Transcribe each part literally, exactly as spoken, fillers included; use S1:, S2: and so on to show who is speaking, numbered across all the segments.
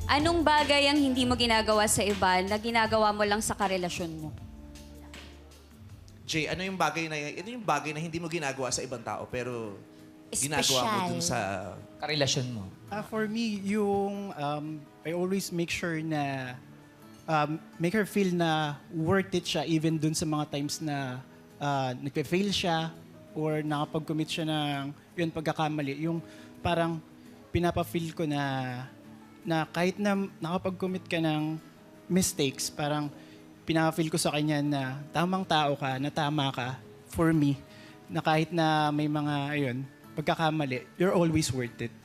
S1: Anong bagay ang hindi mo ginagawa sa iba na ginagawa mo lang sa karelasyon mo?
S2: Jay, ano yung bagay na ano yung bagay na hindi mo ginagawa sa ibang tao pero ginagawa mo
S3: Espesyal.
S2: dun sa
S4: Karelasyon mo.
S5: Ah, for me, yung um, I always make sure na um, make her feel na worth it siya even dun sa mga times na uh, nagpe-fail siya or nakapag-commit siya ng yun pagkakamali. Yung parang pinapa-feel ko na na kahit na nakapag-commit ka ng mistakes, parang pinapa-feel ko sa kanya na tamang tao ka, na tama ka for me, na kahit na may mga ayun, pagkakamali, you're always worth it.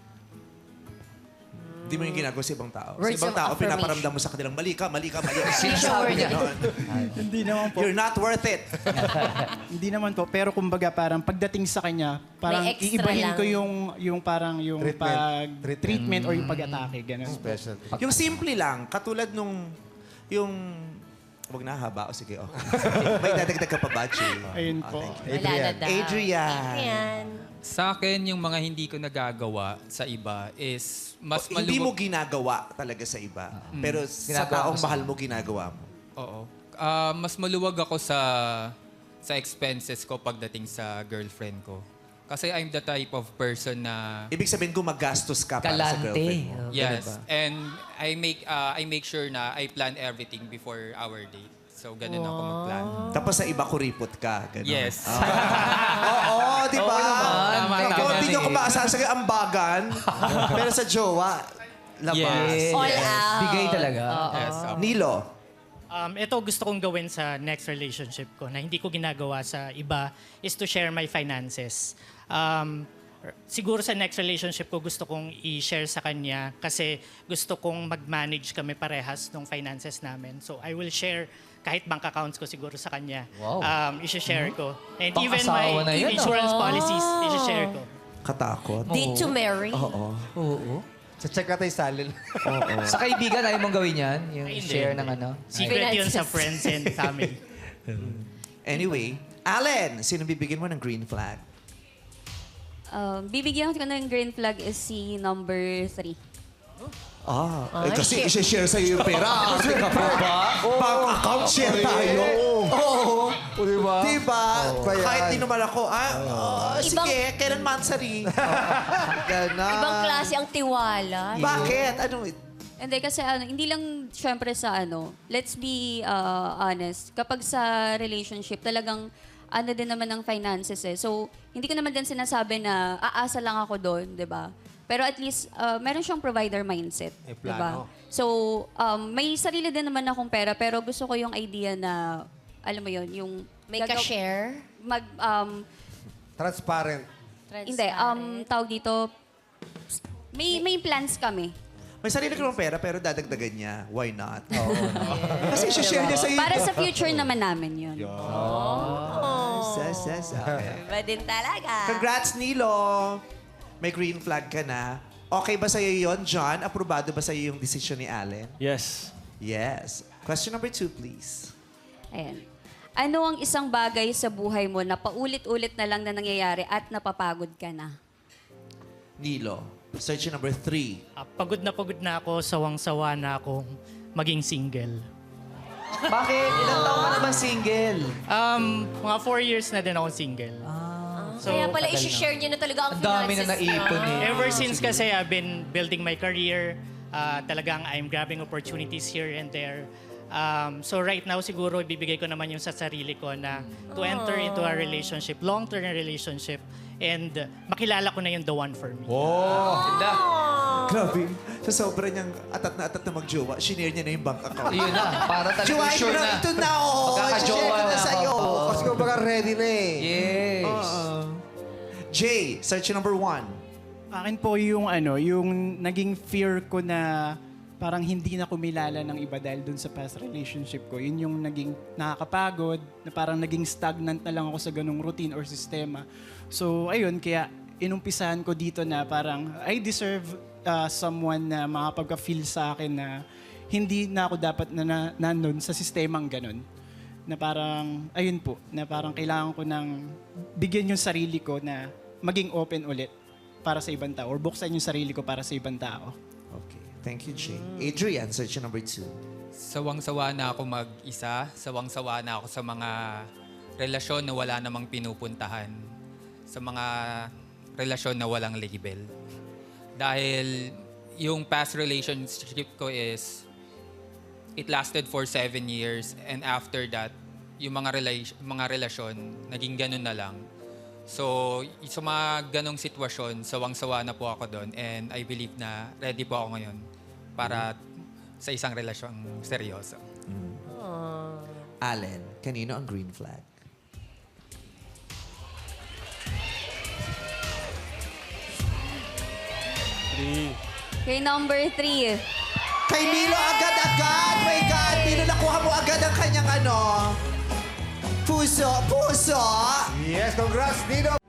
S2: Hindi mo yung ginagawa sa ibang tao.
S3: Words
S2: sa ibang
S3: of
S2: tao,
S3: affirmation.
S2: pinaparamdam mo sa kanilang, mali ka, mali ka, mali ka.
S3: Sure niya.
S2: Ganon.
S5: Hindi naman po.
S2: You're not worth it.
S5: Hindi naman po, pero kumbaga parang pagdating sa kanya, parang
S3: May extra
S5: iibahin
S3: lang.
S5: ko yung yung parang yung
S6: Treatment.
S5: pag
S6: Treatment.
S5: treatment or yung pag-atake ganun.
S6: Special.
S2: Yung simple lang, katulad nung, yung, wag na haba, o sige, okay. May dadagdag ka pa ba, Jay?
S5: Ayun
S2: Ah,
S5: po.
S2: thank you.
S3: Wala na daw.
S2: Adrian.
S3: Adrian.
S7: Sa akin, yung mga hindi ko nagagawa sa iba is mas
S2: O, hindi mo
S7: maluwag...
S2: ginagawa talaga sa iba. Pero sa
S4: Ginagawa
S2: taong
S4: ko sa-
S2: mahal mo, ginagawa mo.
S7: Oo. Ah, mas maluwag ako sa sa expenses ko pagdating sa girlfriend ko. Kasi I'm the type of person na...
S2: Ibig sabihin, gumagastos ka para sa
S4: Galante.
S2: girlfriend mo.
S4: Oh,
S7: Yes.
S4: ganun ba?
S7: And I make ah, I make sure na I plan everything before our date. So, ganun ako mag-plan.
S2: Tapos sa iba, kuripot ka. Ganon.
S7: Yes.
S2: Oo, di ba?
S7: Tama,
S2: Ako,
S7: tama.
S2: hindi nyo ko maasahan sa ambagan. Pero sa jowa, labas.
S7: Yes.
S3: All out.
S4: Bigay talaga.
S7: Yes. opo.
S2: Nilo.
S8: Um, ito gusto kong gawin sa next relationship ko na hindi ko ginagawa sa iba is to share my finances. Um, siguro sa next relationship ko gusto kong i-share sa kanya kasi gusto kong mag-manage kami parehas ng finances namin. So I will share kahit bank accounts ko siguro sa kanya.
S4: Wow.
S8: Um, i-share ko. And even
S4: Pang-asawa na
S8: my
S4: yun, ah.
S8: insurance policies, i-share ko.
S2: Katakot.
S3: Did to marry?
S2: Oo.
S4: Oo.
S6: Sa check natin yung salin.
S4: Sa kaibigan, ayaw mong gawin yan? Yung
S8: Ay, hindi,
S4: share
S8: hindi.
S4: ng ano?
S8: Secret yun sa
S3: Finances.
S8: friends and family.
S2: Anyway, Allen, sino bibigyan mo ng green flag?
S1: Um, bibigyan ko ng green flag is si number three.
S2: Ah, eh,
S3: Ay,
S2: kasi
S3: share.
S2: isi-share sa'yo yung pera. Ate ka pa ba? Bank account share tayo. Oo.
S6: O, di ba?
S2: Diba?
S6: Bayan.
S2: Kahit di naman ako, ah, oh,
S3: Ibang-
S2: sige, kailan mansari? Ganon.
S3: Ibang klase ang tiwala.
S2: Bakit? Ano?
S1: Hindi kasi ano, hindi lang syempre sa ano, let's be uh, honest. Kapag sa relationship, talagang ano din naman ng finances eh. So, hindi ko naman din sinasabi na aasa lang ako doon, 'di ba? Pero at least uh, meron siyang provider mindset,
S6: May
S1: 'di ba?
S6: plano.
S1: So, um, may sarili din naman akong pera pero gusto ko yung idea na alam mo 'yon, yung
S3: May
S1: gagaw-
S3: ka-share?
S1: mag um
S6: Transparent.
S1: hindi um tawag dito may may plans kami.
S2: May sarili ko ng pera pero dadagdagan niya. Why not? Oo. Kasi isi-share niya sa'yo.
S1: Para sa future naman namin 'yun.
S2: Yes, yes, okay.
S3: Iba din talaga.
S2: Congrats, Nilo! May green flag ka na. Okay ba sa'yo yon, John? Aprobado ba sa'yo yung decision ni Allen?
S9: Yes.
S2: Yes. Question number two, please.
S1: Ayan. Ano ang isang bagay sa buhay mo na paulit-ulit na lang na nangyayari at napapagod ka na?
S2: Nilo. Search number three.
S8: Ah, pagod na pagod na ako, sawang-sawa na ako maging single.
S4: Bakit? Ilang taon ka naman single?
S8: Um, mga four years na din ako single. So,
S3: Kaya pala,
S4: tagal na.
S3: i-share niyo na talaga ang
S4: Ang dami na
S3: finances
S4: naipon
S3: niyo.
S4: eh.
S8: ever since kasi I've been building my career, ah, talagang I'm grabbing opportunities here and there. Um, so right now, siguro, ibibigay ko naman yung sa sarili ko na to enter into a relationship, long-term relationship, and uh, makilala ko na yung the one for me.
S4: Ganda.
S2: Grabe. Sa sobra niyang atat na atat na magjowa, shinare niya na yung bank account.
S4: Yun na. Para talaga
S2: Jowain
S4: sure
S2: mo na.
S4: na.
S2: Ito na, oo.
S4: Magkakajowa
S2: Isi-share ko na
S4: na.
S2: sa'yo.
S4: Oo.
S6: Kasi kung baka ready na eh.
S4: Yes.
S2: Uh, Jay, search number one.
S5: Akin po yung ano, yung naging fear ko na parang hindi na kumilala ng iba dahil dun sa past relationship ko. Yun yung naging nakakapagod, na parang naging stagnant na lang ako sa ganung routine or sistema. So, ayun, kaya inumpisahan ko dito na parang I deserve uh, someone na makapagka-feel sa akin na hindi na ako dapat na, na nandun sa sistemang ganun. Na parang, ayun po, na parang kailangan ko ng bigyan yung sarili ko na maging open ulit para sa ibang tao or buksan yung sarili ko para sa ibang tao.
S2: Okay. Thank you, Jane. Adrian, search number two.
S7: Sawang-sawa na ako mag-isa. Sawang-sawa na ako sa mga relasyon na wala namang pinupuntahan. Sa mga relasyon na walang label. Dahil yung past relationship ko is, it lasted for seven years. And after that, yung mga, rela- mga relasyon, naging ganun na lang. So, sa mga ganong sitwasyon, sawang-sawa na po ako doon. And I believe na ready po ako ngayon para sa isang relasyong seryoso.
S2: Allen, kanino ang green flag?
S1: Kay number three.
S2: Kay Milo agad-agad! My God! Milo, nakuha mo agad ang kanyang ano? Puso! Puso!
S6: Yes, congrats, Nino.